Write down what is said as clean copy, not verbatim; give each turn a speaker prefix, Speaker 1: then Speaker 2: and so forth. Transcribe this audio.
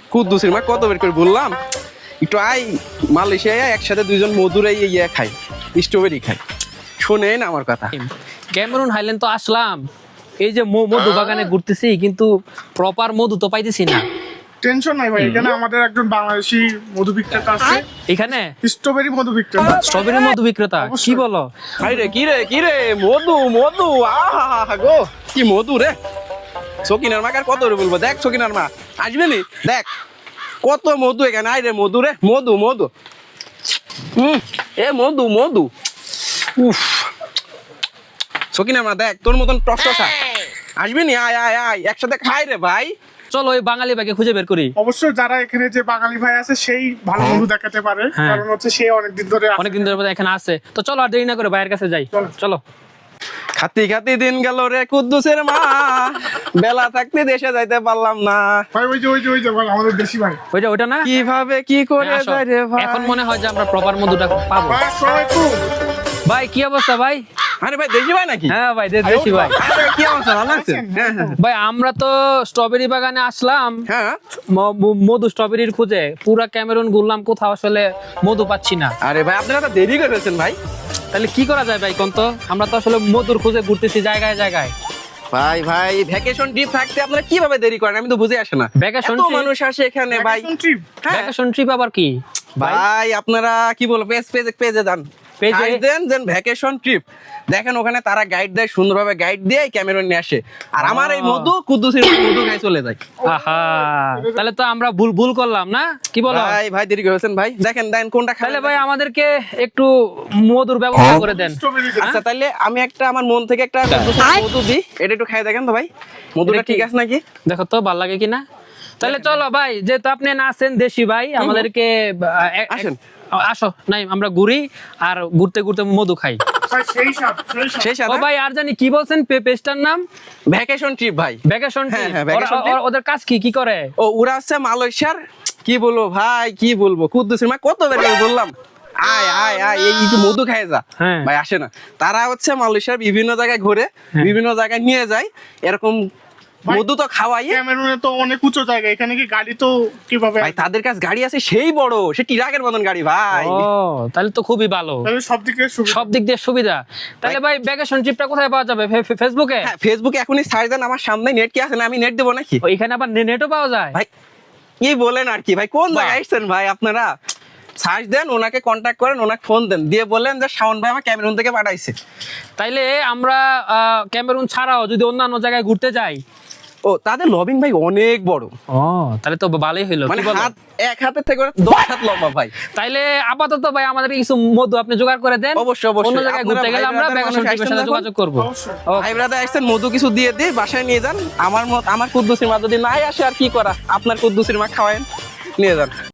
Speaker 1: কুদ্দুসের মা কত বের করে বললাম একটু আই মালয়েশিয়া একসাথে দুইজন মধুরে ইয়ে খাই, স্ট্রবেরি খাই। শোনেন আমার কথা।
Speaker 2: ক্যামেরুন হাইল্যান্ড তো আসলাম, এই যে মধু বাগানে ঘুরতেছি, কিন্তু প্রপার মধু তো পাইতেছি না।
Speaker 3: টেনশন নাই ভাই, এখানে আমাদের একজন বাংলাদেশি মধু বিক্রেতা আছে,
Speaker 2: এখানে
Speaker 3: স্ট্রবেরি মধু বিক্রেতা।
Speaker 2: স্ট্রবেরি মধু বিক্রেতা? কি বলো?
Speaker 1: কি রে মধু মধু, আহা গো কি মধু রে। সকিনার মা কার কত রে বলবো, দেখ সকিনার মা আসবে নি, দেখ কত মধু এখানে। আই রে মধু রে, মধু মধু, এ মধু মধু, উফ। সকিনার মা দেখ তোর মতন টসটসা আসবি নি, আয় আয় আয় একসাথে খাই রে ভাই।
Speaker 2: চলো ওই বাঙালি ভাইকে খুঁজে বের করি।
Speaker 3: অবশ্য যারা এখানে যে বাঙালি ভাই আছে সেই ভালো মধু দেখাতে পারে,
Speaker 2: হ্যাঁ।
Speaker 3: কারণ হচ্ছে সে অনেকদিন ধরে আছে।
Speaker 2: অনেকদিন ধরে এখানে আছে, তো চলো আর দেরি না করে ভাইয়ের কাছে যাই। চলো।
Speaker 1: খাতি খাতি দিন গেল রে কুদ্দুসের মা, বেলা থাকতে দেশে যাইতে পারলাম না।
Speaker 3: ভাই ওই যে ভাই আমাদের দেশি ভাই।
Speaker 2: ওইটা না?
Speaker 1: কিভাবে কি করে
Speaker 2: আসো।
Speaker 1: যায় রে ভাই।
Speaker 2: এখন মনে হয় যে আমরা প্রপার মধুটা পাবো।
Speaker 3: ভাই আসসালামু আলাইকুম।
Speaker 2: ভাই কি অবস্থা ভাই?
Speaker 1: আরে ভাই দেশি ভাই নাকি?
Speaker 2: হ্যাঁ ভাই দেশি ভাই।
Speaker 1: আরে কি অবস্থা, ভালো আছেন? হ্যাঁ হ্যাঁ
Speaker 2: ভাই আমরা তো স্ট্রবেরি বাগানে আসলাম,
Speaker 1: হ্যাঁ।
Speaker 2: মধু স্ট্রবেরির খুঁজে পুরা ক্যামেরুন ঘুরলাম, কোথাও আসলে মধু পাচ্ছি না।
Speaker 1: আরে ভাই আপনারা তো দেরি করেছেন ভাই।
Speaker 2: তাহলে কি করা যায় ভাই কোন তো? আমরা তো আসলে মধুর খুঁজে ঘুরতেছি জায়গায় জায়গায়।
Speaker 1: ভাই ভ্যাকেশন ট্রিপ থাকতে আপনারা কিভাবে দেরি করেন আমি তো বুঝে আসে না।
Speaker 2: ভ্যাকেশন
Speaker 1: এত মানুষ আসে এখানে ভাই।
Speaker 3: Vacation trip?
Speaker 1: হ্যাঁ।
Speaker 2: ভ্যাকেশন ট্রিপ আবার কি
Speaker 1: ভাই আপনারা কি বলবো, পেজে যান,
Speaker 2: পেজে?
Speaker 1: দেন ভ্যাকেশন ট্রিপ দেখেন, ওখানে তারা গাইড দেয়, সুন্দরভাবে গাইড দিয়ে ক্যামেরন নিয়ে আসে। আর আমার এই মধু কুদ্দুসের মধু খাই চলে যায়।
Speaker 2: আহা, তাহলে তো আমরা ভুল করলাম না, কি বলো?
Speaker 1: ভাই দেরি করেছেন ভাই। দেখেন কোনটা খাবেন।
Speaker 2: তাহলে ভাই আমাদেরকে একটু মধুর ব্যবস্থা করে দেন।
Speaker 3: স্ট্রবেরি
Speaker 1: আচ্ছা তাহলে আমি একটা আমার মন থেকে একটা কুদ্দুসের মধু দিই, এটা একটু খাই দেখেন তো ভাই মধুটা
Speaker 2: এটা কি?
Speaker 1: ঠিক আছে নাকি।
Speaker 2: দেখো তো ভাল লাগে কিনা। তাহলে চলো ভাই, যেহেতু আপনি না আছেন দেশি ভাই, আমাদেরকে
Speaker 1: আসেন।
Speaker 2: আসো নাই আমরা ঘুরি, আর ঘুরতে ঘুরতে মধু খাই।
Speaker 3: ভাই সেই সাথ।
Speaker 1: সেই
Speaker 2: ও
Speaker 1: সাথে
Speaker 2: ভাই আর জানি কি বলছেন পেজটার নাম?
Speaker 1: ভ্যাকেশন ট্রিপ ভাই।
Speaker 2: ভ্যাকেশন
Speaker 1: হ্যাঁ, হ্যাঁ, vacation trip।
Speaker 2: ওদের কাজ কি করে?
Speaker 1: ও ওরা হচ্ছে মালয়েশিয়ার, কি বলবো ভাই কি বলবো, কুদ্দুসের মা কত বের করে বললাম আয় আয় আয় এই যে মধু খায় যা।
Speaker 2: হ্যাঁ।
Speaker 1: ভাই আসে না, তারা হচ্ছে মালয়েশিয়ার বিভিন্ন জায়গায় ঘুরে, বিভিন্ন জায়গায় নিয়ে যায়, এরকম মধু তো খাওয়াই।
Speaker 3: ক্যামেরুনে তো অনেক উঁচু জায়গা, এখানে কি গাড়ি তো কিভাবে?
Speaker 1: ভাই তাদের কাছে গাড়ি আছে সেই বড়, সে টিরাকের মতন গাড়ি ভাই।
Speaker 2: ও তাহলে তো খুবই ভালো,
Speaker 3: তাহলে সব দিকে সুবিধা।
Speaker 2: সব দিক দিয়ে সুবিধা। তাহলে ভাই ভ্যাকেশন ট্রিপটা কোথায় পাওয়া যাবে? ফেসবুকে?
Speaker 1: হ্যাঁ ফেসবুকে এখনই সার্চ দেন, আমার সামনে নেট কি আছে না, আমি নেট দেবো নাকি
Speaker 2: এখানে আবার নেটও পাওয়া যায়?
Speaker 1: ভাই? কি বলেন আর কি ভাই, কোন
Speaker 2: বাহ।
Speaker 1: জায়গায় আসছেন ভাই আপনারা? সার্চ দেন, ওনাকে কন্ট্যাক্ট করেন, ওনাকে ফোন দেন, দিয়ে বললেন যে শাওন ভাই আমার ক্যামেরুন থেকে পাঠাইছে।
Speaker 2: তাইলে আমরা ক্যামেরুন ছাড়াও যদি অন্যান্য জায়গায় ঘুরতে যাই?
Speaker 1: ও তাদের লবিং ভাই অনেক বড়,
Speaker 2: ও তাহলে তো ভালোই হইলো,
Speaker 1: মানে
Speaker 2: কি বলো?
Speaker 1: হাত এক হাতের থেকে 10 হাত লম্বা ভাই।
Speaker 2: তাইলে আপাতত ভাই আমাদের কিছু মধু আপনি জোগাড় করে দেন।
Speaker 1: অবশ্যই, অবশ্যই।
Speaker 2: অন্য জায়গায়
Speaker 1: আপনারা
Speaker 2: ঘুরতে গেলে
Speaker 1: ভাই
Speaker 2: আমরা
Speaker 1: ব্রাদার
Speaker 2: ভ্যাকেশন
Speaker 1: মানুষ
Speaker 2: ট্রিপের
Speaker 1: আসছেন
Speaker 2: সাথে
Speaker 1: যখন?
Speaker 2: যোগাযোগ করব।
Speaker 3: অবশ্যই।
Speaker 1: ভাই ব্রাদার আসছেন, মধু কিছু দিয়ে দিয়ে বাসায় নিয়ে যান। আমার কুদ্দুসির মা যদি নাই আসে আর কি করা, আপনার কুদ্দুসির মা খাওয়ায়েন, নিয়ে যান।